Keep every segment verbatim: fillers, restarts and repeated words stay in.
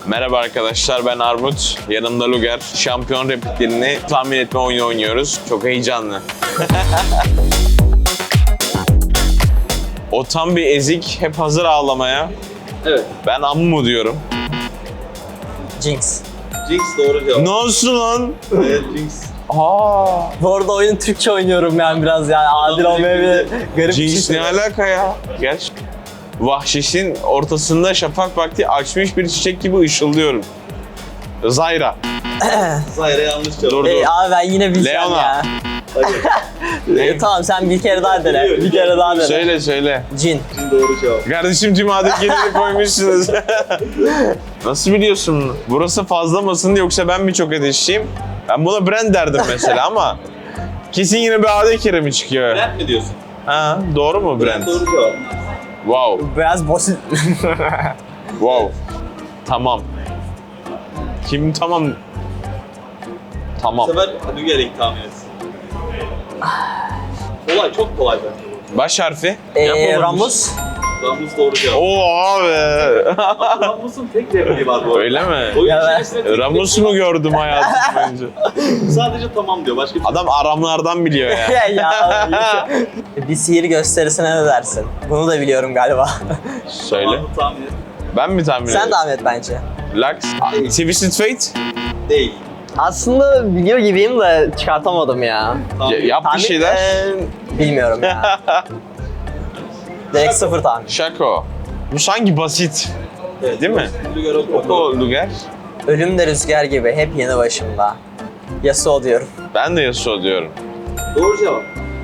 Merhaba arkadaşlar, ben Armut. Yanımda Luger. Şampiyon repliklerini tahmin etme oyunu oynuyoruz. Çok heyecanlı. O tam bir ezik, hep hazır ağlamaya. Evet. Ben Ammu diyorum. Jinx. Jinx doğru cevap. Ne olsun lan? Evet, Jinx. Aa, Bu arada oyunu Türkçe oynuyorum yani biraz yani adil olmayabilir. Garip bir Jinx şey. ne alaka ya? Gel. Vahşişin ortasında şafak vakti açmış bir çiçek gibi ışıldıyorum. Zyra. Zahir'e yanlış cevap. Dur. Ey, abi ben yine bilsem Leona. ya. Hayır. E, tamam sen bir kere daha dene. Bir kere daha dene. Söyle söyle. Jin. Jin doğru cevap. Kardeşim tüm adetleri koymuşsunuz. Nasıl biliyorsun bunu? Burası fazla mısın yoksa ben mi çok ateşliyim? Ben buna Brand derdim mesela ama kesin yine bir adet kere mi çıkıyor? Brand mi diyorsun? Ha, doğru mu Brand? Doğru cevap. Wow, Biraz basit. wow. Tamam. Kim tamam? Bu Tamam. sefer Luger'in tahmin etsin. Kolay, çok kolay bence. Baş harfi? Eee Yapamamış. Ramus. Ramus doğru cevap. Oo abi. Ama Ramus'un tek repliği var bu arada. Öyle mi? Oyun Ya ben- içerisinde tek Ramus repliği mu gördüm hayatım boyunca? var. Sadece tamam diyor. Başka bir şey. Adam aramlardan biliyor ya. ya ya. Bir sihir gösterisine ne dersin? Bunu da biliyorum galiba. Söyle. Tamamını tahmin et. Ben mi tahmin Sen ediyorum? devam et bence. Lux. Twisted Fate? Değil. Aslında biliyor gibiyim de çıkartamadım ya. Tahmin Ya- et. yap bir Tahmin- şeyler. Eee, bilmiyorum ya. Direkt sıfır tahmin. Şako. Bu sanki basit. Evet, Değil mi? Luger oku. Oku Luger. Ölüm de rüzgar gibi hep yanı başımda. Yasuo diyorum. Ben de Yasuo diyorum. Doğru cevap.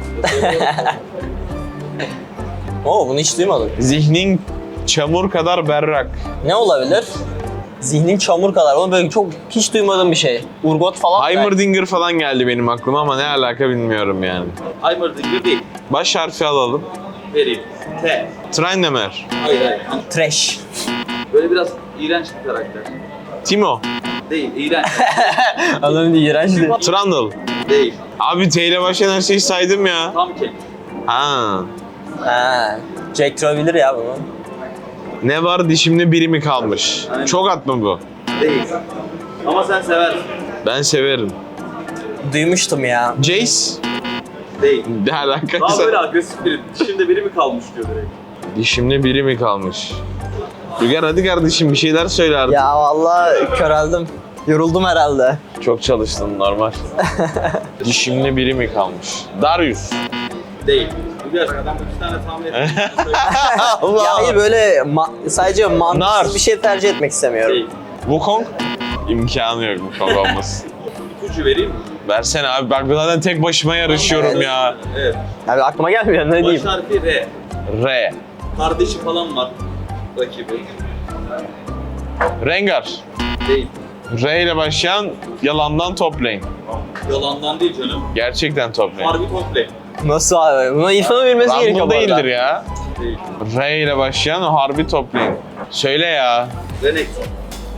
Oo bunu hiç duymadım. Zihnin çamur kadar berrak. Ne olabilir? Zihnin çamur kadar. Onu böyle çok hiç duymadığım bir şey. Urgot falan. Heimerdinger falan geldi benim aklıma ama ne alaka bilmiyorum yani. Heimerdinger değil. Baş harfi alalım. Vereyim. T. Trainemer. Hayır hayır. Trash. Böyle biraz iğrenç bir karakter. Timo. Değil, iğrenç. Adam bir iğrenç değil. Trundle. Değil. Abi T ile başlayan her şeyi saydım ya. Tam kek. Ha. Ha. Jack Troll bilir ya bunu. Ne var dişimde biri mi kalmış? Aynen. Çok at mı bu? Değil. Ama sen seversin. Ben severim. Duymuştum ya. Jace. Değil. Ne Daha alakası? böyle agresif biri. Şimdi biri mi kalmış diyor direkt. Dişimde biri mi kalmış? Luger hadi kardeşim bir şeyler söyle artık. Ya vallahi köreldim. Yoruldum herhalde. Çok çalıştın normal. Dişimde biri mi kalmış? Darius. Değil. Luger adam üç tane tahmin etti. Ya hayır böyle ma- sadece mantıksız Nar. bir şey tercih etmek istemiyorum. Değil. Wukong? İmkanı yok Wukong olması. İpucu vereyim mi? Versene abi bak ben zaten tek başıma yarışıyorum Evet. ya. Evet. Abi aklıma gelmiyor ne Baş diyeyim. harfi R. R. Kardeşi falan var. Rakibi. Rengar. Değil. R ile başlayan yalandan top lane. Yalandan değil canım. Gerçekten top lane. Harbi komple. Nasıl abi? Bunu İrfan'ın bilmesi gerekiyor Random bu arada. değildir ya. Değil. R ile başlayan o harbi top lane. Söyle ya. Renekton.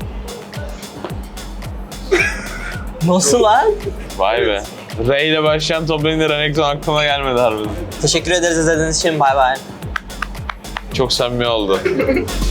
Nasıl lan? Vay be. R ile başlayan top lane'de Renekton aklıma gelmedi harbiden. Teşekkür ederiz izlediğiniz için. Bay bay. Çok samimi oldu.